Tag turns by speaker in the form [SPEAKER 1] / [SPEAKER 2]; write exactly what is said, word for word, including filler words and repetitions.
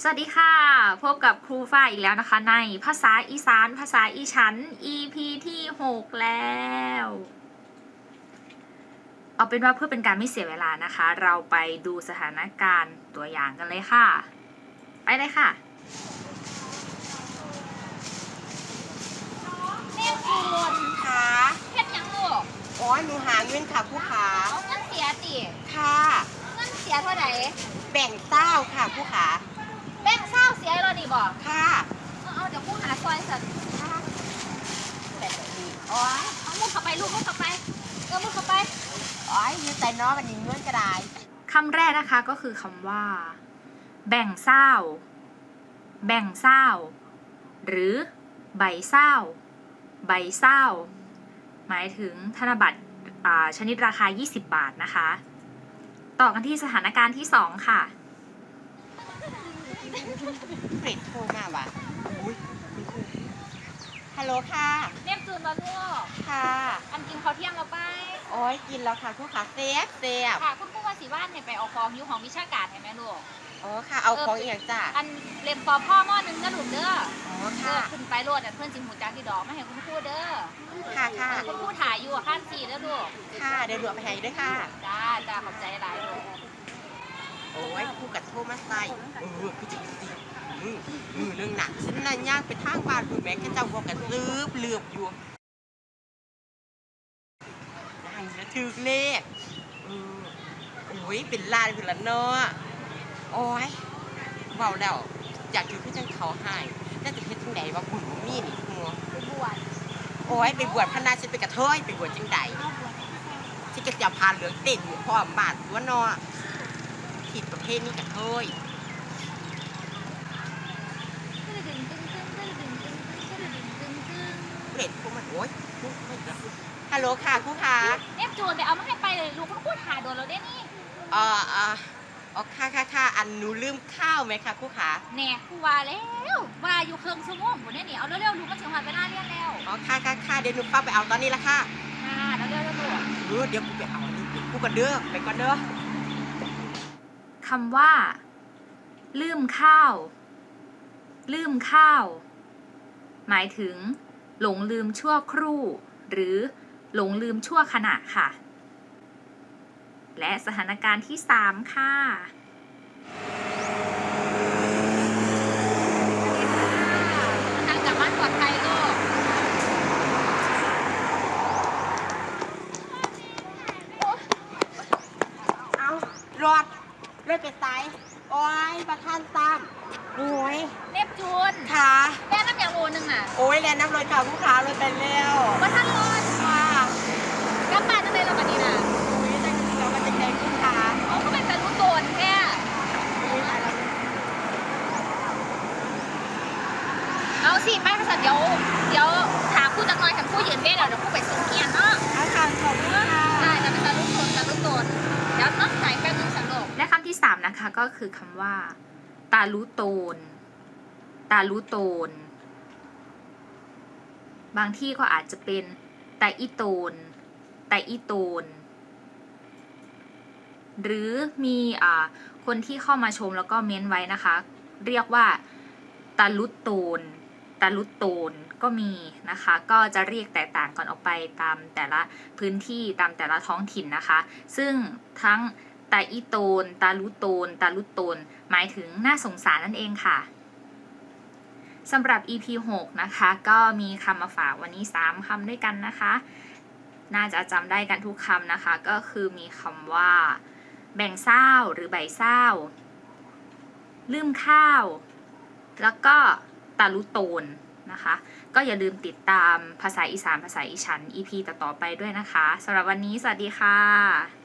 [SPEAKER 1] สวัสดีค่ะพบกับครูฝ้ายอีกแล้วนะคะในภาษาอีสานภาษาอีฉัน อี พี ที่หกแล้วเอาเป็นว่าเพื่อเป็นการไม่เสียเวลานะคะเราไปดูสถานการณ์ตัวอย่างกันเลยค่ะไปเลยค่ะ
[SPEAKER 2] แม่คุณ
[SPEAKER 3] ค่ะ
[SPEAKER 2] เฮ็ดหยังลูก
[SPEAKER 3] อ๋อหนูหาเงินค่ะผู้ขา
[SPEAKER 2] เอาเงินเสียติ
[SPEAKER 3] ค่ะ
[SPEAKER 2] เงินเสียเท่าไหร่
[SPEAKER 3] แบ่งเต้าค่ะผู้ขา
[SPEAKER 2] แบ่งเศร้าเสียแล้วนี่บ่
[SPEAKER 3] ค่ะ
[SPEAKER 2] เอาเอาเดี๋ยวผู้หาซอยสัน
[SPEAKER 3] ค่ะแบบนี้
[SPEAKER 2] อ๋อเอามุดเข้าไปลูกมุดเข้าไปเออมุดเข้าไป
[SPEAKER 3] อ๋อยืนใจน้องกันยิงเงินก็ได้
[SPEAKER 1] คำแรกนะคะก็คือคำว่า แบ่งเศร้าแบ่งเศร้าหรือใบเศร้าใบเศร้าหมายถึงธนบัตรชนิดราคายี่สิบบาทนะคะต่อกันที่สถานการณ์ที่สองค่ะ
[SPEAKER 3] เฟรดโทรมาว่ะอุ้ยฮัลโหลค่ะ
[SPEAKER 2] เรียกจูนมาลูก
[SPEAKER 3] ค่ะ
[SPEAKER 2] อันกินข้าวเที่ยงเราไป
[SPEAKER 3] โอ้ยกินแล้วค่ะผู้ขาเซฟเซฟ
[SPEAKER 2] ค่ะคุณผู้ว่าสีว่านเนี่ยไปเอาของอยู่ของวิชาการเห็นไหมลูก
[SPEAKER 3] อ๋อค่ะเอาของอย่างจ้ะ
[SPEAKER 2] อันเล่มปอพ่อหม้อนึงก็หลุดเด้อ
[SPEAKER 3] อ๋อ
[SPEAKER 2] เอ
[SPEAKER 3] ค่ะ
[SPEAKER 2] อขึ้นไปโลดเพื่อนจิมหูจักที่ดอกไม่เห็นคุณพูดเด้อ
[SPEAKER 3] ค่ะค่ะ
[SPEAKER 2] คุณพูดถ่ายอยู่ข้างสี่แล้วลูก
[SPEAKER 3] ค่ะเดี๋ยวหลวงไปให้ด้วยค่ะ
[SPEAKER 2] จ้าจ้าขอบใจหลายลูก
[SPEAKER 3] โอ้ยผู้กัดโทรมาใส่เออพี่จริงจริงมือมือเรื่องหนักฉันน่ะย่างไปทางบ้านคุณแม่แค่เจ้าบอกกันลืบเลือบอยู่ได้แล้วถือเลขเออโอ้ยเป็นลานคือละเนาะโอ้ยเบาแล้วอยากถือขึ้นจังเขาให้น่าจะเพชรจังไหนว่าบุญมีนี่หัว
[SPEAKER 2] ไปบวช
[SPEAKER 3] โอ้ยไปบวชพนาฉันไปกระเทยไปบวชจังใดฉันก็จะพาเหลืองเต้นอยู่พ่อบาทตัวเนาะผิดประเภทนี้กระเทยเห็นพวกมันโอ๊ยฮัลโหลค่ะครูค่ะ
[SPEAKER 2] เอฟจูนไปเอามาให้ไปเลยลูกคุณพูดหาโดนเราได้นี่
[SPEAKER 3] เอ่อเอ่ออ๋อค่ะค่ะค่ะอันหนูลืมข้าวไหมคะครูค่ะ
[SPEAKER 2] แน่ครูว่าแล้วว่าอยู่เครื่องชั่วโมงหมดเนี่ยนี่เอาเร็วๆลูกก็ถึงวันเวลาเรียนแล้ว
[SPEAKER 3] อ๋อค่ะค่ะค่ะเดี๋ยวหนูป้าไปเอาตอนนี้ละค่ะ
[SPEAKER 2] ค่ะแล้วเร็วๆลูก
[SPEAKER 3] เออเดี๋ยวกูไปเอาอันนี้กูกันเด้อไปก่อนเด้อ
[SPEAKER 1] คำว่าลืมข้าวลืมข้าวหมายถึงหลงลืมชั่วครู่หรือหลงลืมชั่วขณะค่ะและสถานการณ์ที่สามค่ะ
[SPEAKER 2] ทางกลับบ้านปลอดภัยลูก
[SPEAKER 3] เอารอดเลือดไปไซโอ้ยประทานซ้ำโอ้ย
[SPEAKER 2] เนปจูน
[SPEAKER 3] ค่ะ
[SPEAKER 2] แม่น้ำอย่างโอนึงอ่ะ
[SPEAKER 3] โอ้ยแลน้ำลอยค่ะผู้ค้าเลยไปแล้ว
[SPEAKER 2] ว่าท่านรอด
[SPEAKER 3] ค่ะ
[SPEAKER 2] กลับบ้านจังเลยเราบัดนี้น่ะ
[SPEAKER 3] โอ้ยแต่จริงๆแล้วมันจะแดงผู้ค้า
[SPEAKER 2] เขาก็เป็นแต่รู้โดนแค่เอาสิแม่ก็สัตว์เดี๋ยวเดี๋ยวถามผู้จัดหน่อยกับผู้ยืนเว้นเดี๋ยวผู้ไปส่งเกียร์เนาะ
[SPEAKER 3] อาจารย์ขอบคุณค่ะ
[SPEAKER 2] ได้จะเป็นตาลุกโดนตาลุกโดนเดี๋ยวต้องใส่แป๊บนึงสันโลก
[SPEAKER 1] และคำที่สามนะคะก็คือคำว่าตาลุโตนตาลุโตนบางที่ก็อาจจะเป็นตาอีโตนตาอีโตนหรือมีอ่าคนที่เข้ามาชมแล้วก็เม้นไว้นะคะเรียกว่าตาลุโตนตาลุโตนก็มีนะคะก็จะเรียกแตกต่างกันออกไปตามแต่ละพื้นที่ตามแต่ละท้องถิ่นนะคะซึ่งทั้งตาอีโตนตาลุโตนตาลุโตนหมายถึงน่าสงสารนั่นเองค่ะสำหรับ อี พี หกนะคะก็มีคำมาฝากวันนี้สามคำด้วยกันนะคะน่าจะจำได้กันทุกคำนะคะก็คือมีคำว่าแบ่งเศร้าหรือใบเศร้าลืมข้าวแล้วก็ตาลุโตนนะคะก็อย่าลืมติดตามภาษาอีสานภาษาอีฉัน อี พี ต่อๆไปด้วยนะคะสำหรับวันนี้สวัสดีค่ะ